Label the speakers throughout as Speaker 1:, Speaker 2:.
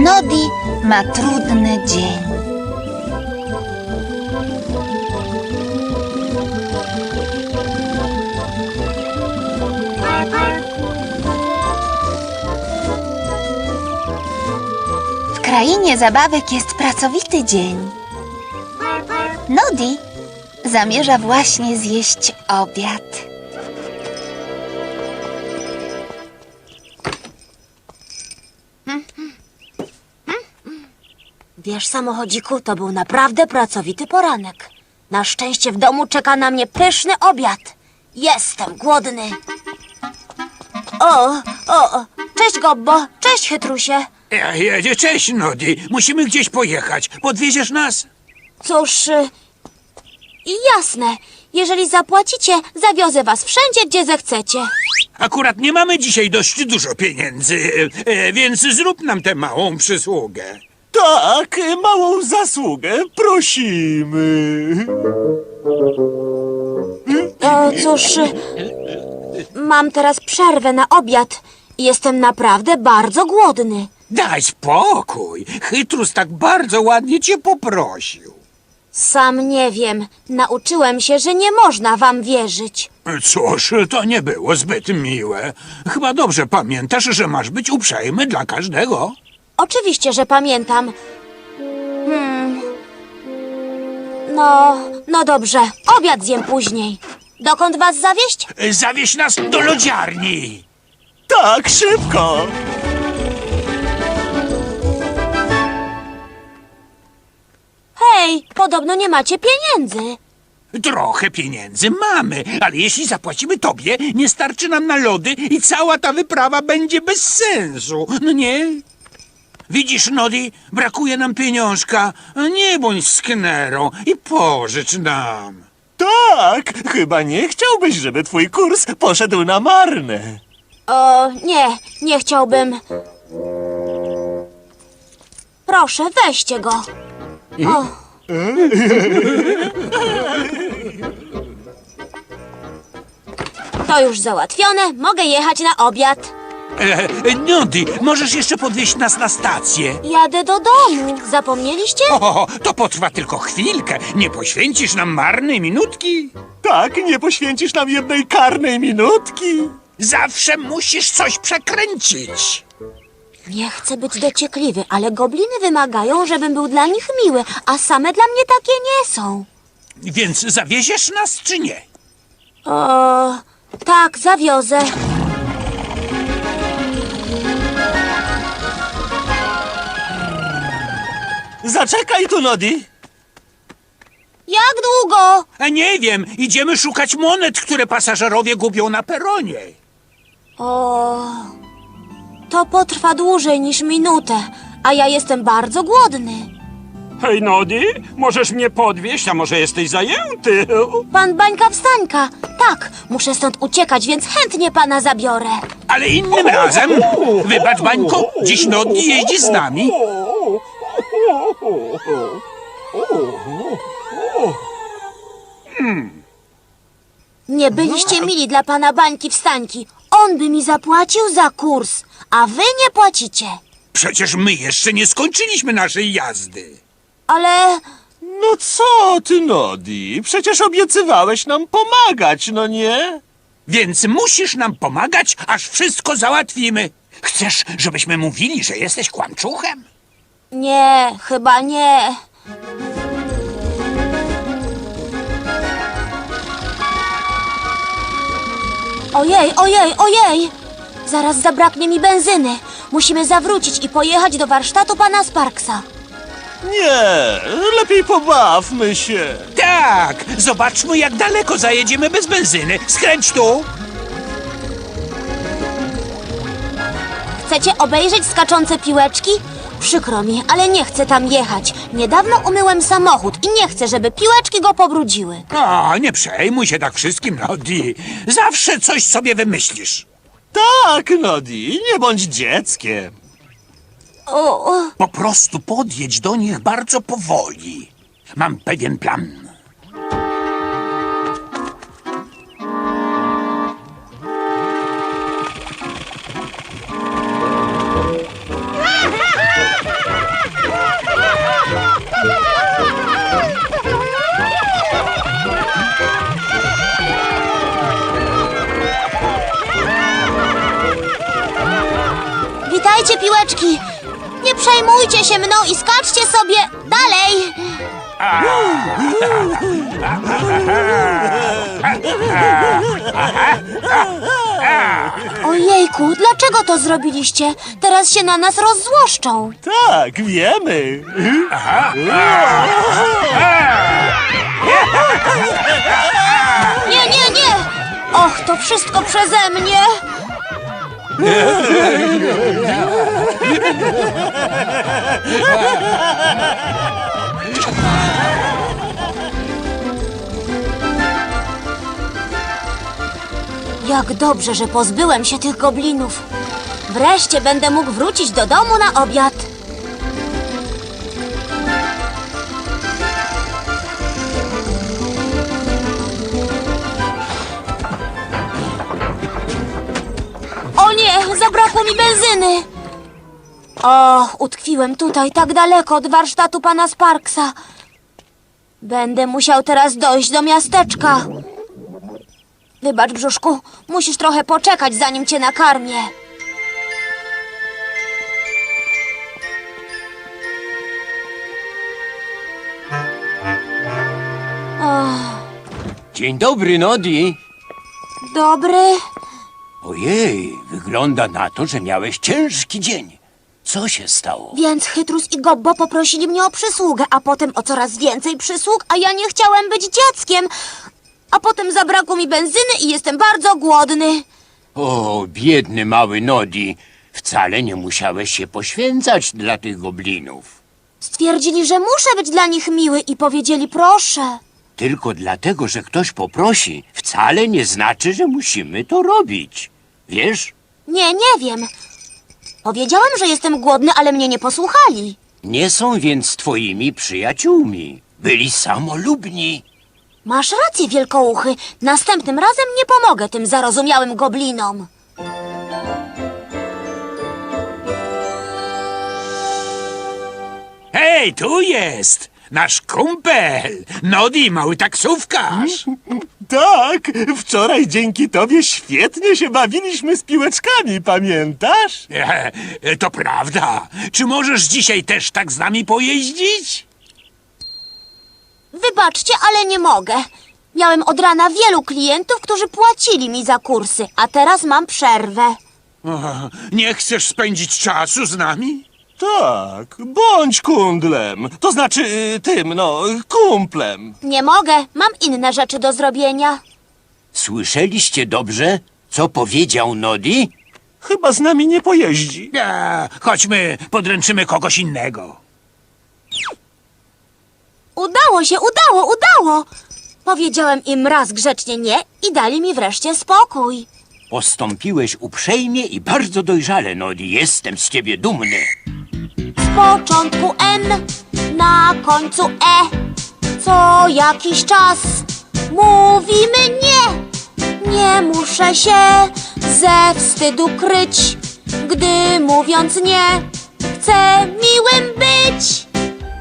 Speaker 1: Nodi ma trudny dzień. W krainie zabawek jest pracowity dzień. Nodi zamierza właśnie zjeść obiad.
Speaker 2: Wiesz, samochodziku, to był naprawdę pracowity poranek. Na szczęście w domu czeka na mnie pyszny obiad. Jestem głodny. O, cześć Gobbo, cześć Chytrusie.
Speaker 3: Cześć, Nodi. Musimy gdzieś pojechać. Podwieziesz nas?
Speaker 2: Cóż, jasne. Jeżeli zapłacicie, zawiozę was wszędzie, gdzie zechcecie.
Speaker 3: Akurat nie mamy dzisiaj dość dużo pieniędzy, więc zrób nam tę małą przysługę.
Speaker 4: Tak, małą zasługę, prosimy.
Speaker 2: Cóż, mam teraz przerwę na obiad. Jestem naprawdę bardzo głodny.
Speaker 3: Daj spokój. Chytrus tak bardzo ładnie cię poprosił.
Speaker 2: Sam nie wiem. Nauczyłem się, że nie można wam wierzyć.
Speaker 3: Cóż, to nie było zbyt miłe. Chyba dobrze pamiętasz, że masz być uprzejmy dla każdego.
Speaker 2: Oczywiście, że pamiętam. No dobrze. Obiad zjem później. Dokąd was zawieźć?
Speaker 3: Zawieź nas do lodziarni.
Speaker 4: Tak, szybko.
Speaker 2: Hej, podobno nie macie pieniędzy.
Speaker 3: Trochę pieniędzy mamy, ale jeśli zapłacimy tobie, nie starczy nam na lody i cała ta wyprawa będzie bez sensu. No nie? Widzisz, Nodi, brakuje nam pieniążka. Nie bądź sknerą i pożycz nam.
Speaker 4: Tak, chyba nie chciałbyś, żeby twój kurs poszedł na marne.
Speaker 2: Nie chciałbym. Proszę, weźcie go. O. To już załatwione, mogę jechać na obiad.
Speaker 3: Nodi, możesz jeszcze podwieźć nas na stację?
Speaker 2: Jadę do domu, zapomnieliście?
Speaker 3: O, to potrwa tylko chwilkę. Nie poświęcisz nam marnej minutki?
Speaker 4: Tak, nie poświęcisz nam jednej karnej minutki.
Speaker 3: Zawsze musisz coś przekręcić.
Speaker 2: Nie chcę być dociekliwy, ale gobliny wymagają, żebym był dla nich miły, a same dla mnie takie nie są.
Speaker 3: Więc zawieziesz nas, czy nie?
Speaker 2: Tak, zawiozę.
Speaker 4: Zaczekaj tu, Nodi.
Speaker 2: Jak długo?
Speaker 3: Nie wiem, idziemy szukać monet, które pasażerowie gubią na peronie.
Speaker 2: To potrwa dłużej niż minutę, a ja jestem bardzo głodny.
Speaker 5: Hej, Nodi, możesz mnie podwieźć, a może jesteś zajęty?
Speaker 2: Pan Bańka Wstańka. Tak, muszę stąd uciekać, więc chętnie pana zabiorę.
Speaker 3: Ale innym razem, wybacz, Bańko, dziś Nodi jeździ z nami.
Speaker 2: Nie byliście mili dla pana Bańki Wstańki. On by mi zapłacił za kurs, a wy nie płacicie.
Speaker 3: Przecież my jeszcze nie skończyliśmy naszej jazdy.
Speaker 2: Ale
Speaker 4: No co ty, Nodi? Przecież obiecywałeś nam pomagać, no nie?
Speaker 3: Więc musisz nam pomagać, aż wszystko załatwimy. Chcesz, żebyśmy mówili, że jesteś kłamczuchem?
Speaker 2: nie, chyba nie. Ojej! Zaraz zabraknie mi benzyny. Musimy zawrócić i pojechać do warsztatu pana Sparksa.
Speaker 4: Nie, lepiej pobawmy się.
Speaker 3: Tak, zobaczmy, jak daleko zajedziemy bez benzyny. Skręć tu.
Speaker 2: Chcecie obejrzeć skaczące piłeczki? Przykro mi, ale nie chcę tam jechać. Niedawno umyłem samochód i nie chcę, żeby piłeczki go pobrudziły.
Speaker 3: Nie przejmuj się tak wszystkim, Nodi. Zawsze coś sobie wymyślisz.
Speaker 4: Tak, Nodi, nie bądź dzieckiem.
Speaker 3: Po prostu podjedź do nich bardzo powoli. Mam pewien plan.
Speaker 2: Zbierajcie piłeczki. Nie przejmujcie się mną i skaczcie sobie dalej. Ojejku, dlaczego to zrobiliście? Teraz się na nas rozzłoszczą.
Speaker 4: Tak, wiemy.
Speaker 2: Nie, nie, nie! Och, to wszystko przeze mnie! Jak dobrze, że pozbyłem się tych goblinów. Wreszcie będę mógł wrócić do domu na obiad. O nie, zabrakło mi benzyny. Och, utkwiłem tutaj tak daleko od warsztatu pana Sparksa. Będę musiał teraz dojść do miasteczka. Wybacz, brzuszku, musisz trochę poczekać, zanim cię nakarmię.
Speaker 6: Dzień dobry, Nodi.
Speaker 2: Dobry.
Speaker 6: Ojej, wygląda na to, że miałeś ciężki dzień. Co się stało?
Speaker 2: Więc Chytrus i Gobbo poprosili mnie o przysługę, a potem o coraz więcej przysług, a ja nie chciałem być dzieckiem. A potem zabrakło mi benzyny i jestem bardzo głodny.
Speaker 6: O, biedny mały Nodi. Wcale nie musiałeś się poświęcać dla tych goblinów.
Speaker 2: Stwierdzili, że muszę być dla nich miły i powiedzieli proszę.
Speaker 6: Tylko dlatego, że ktoś poprosi, wcale nie znaczy, że musimy to robić. Wiesz?
Speaker 2: Nie, nie wiem. Powiedziałem, że jestem głodny, ale mnie nie posłuchali.
Speaker 6: Nie są więc twoimi przyjaciółmi. Byli samolubni.
Speaker 2: Masz rację, wielkouchy. Następnym razem nie pomogę tym zarozumiałym goblinom.
Speaker 3: Hej, tu jest! Nasz kumpel! Nodi, mały taksówkarz!
Speaker 4: Tak, wczoraj dzięki tobie świetnie się bawiliśmy z piłeczkami, pamiętasz?
Speaker 3: To prawda. Czy możesz dzisiaj też tak z nami pojeździć?
Speaker 2: Wybaczcie, ale nie mogę. Miałem od rana wielu klientów, którzy płacili mi za kursy, a teraz mam przerwę.
Speaker 3: Nie chcesz spędzić czasu z nami?
Speaker 4: Tak, bądź kundlem. To znaczy kumplem.
Speaker 2: Nie mogę, mam inne rzeczy do zrobienia.
Speaker 6: Słyszeliście dobrze, co powiedział Nodi?
Speaker 4: Chyba z nami nie pojeździ.
Speaker 3: Chodźmy, podręczymy kogoś innego.
Speaker 2: Udało się, udało! Powiedziałem im raz grzecznie nie i dali mi wreszcie spokój.
Speaker 6: Postąpiłeś uprzejmie i bardzo dojrzale, Nodi. Jestem z ciebie dumny.
Speaker 2: Z początku N, na końcu E. Co jakiś czas mówimy nie. Nie muszę się ze wstydu kryć, gdy mówiąc nie, chcę miłym być.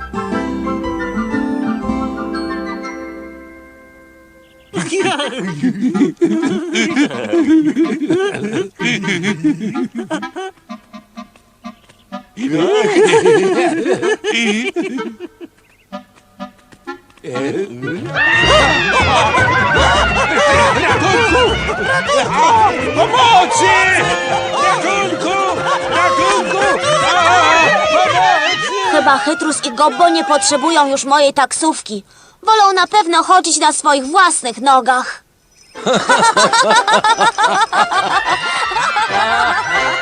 Speaker 3: Pomocy! Ratunku! Ratunku!
Speaker 2: Chyba Chytrus i Gobbo nie potrzebują już mojej taksówki. Wolą na pewno chodzić na swoich własnych nogach.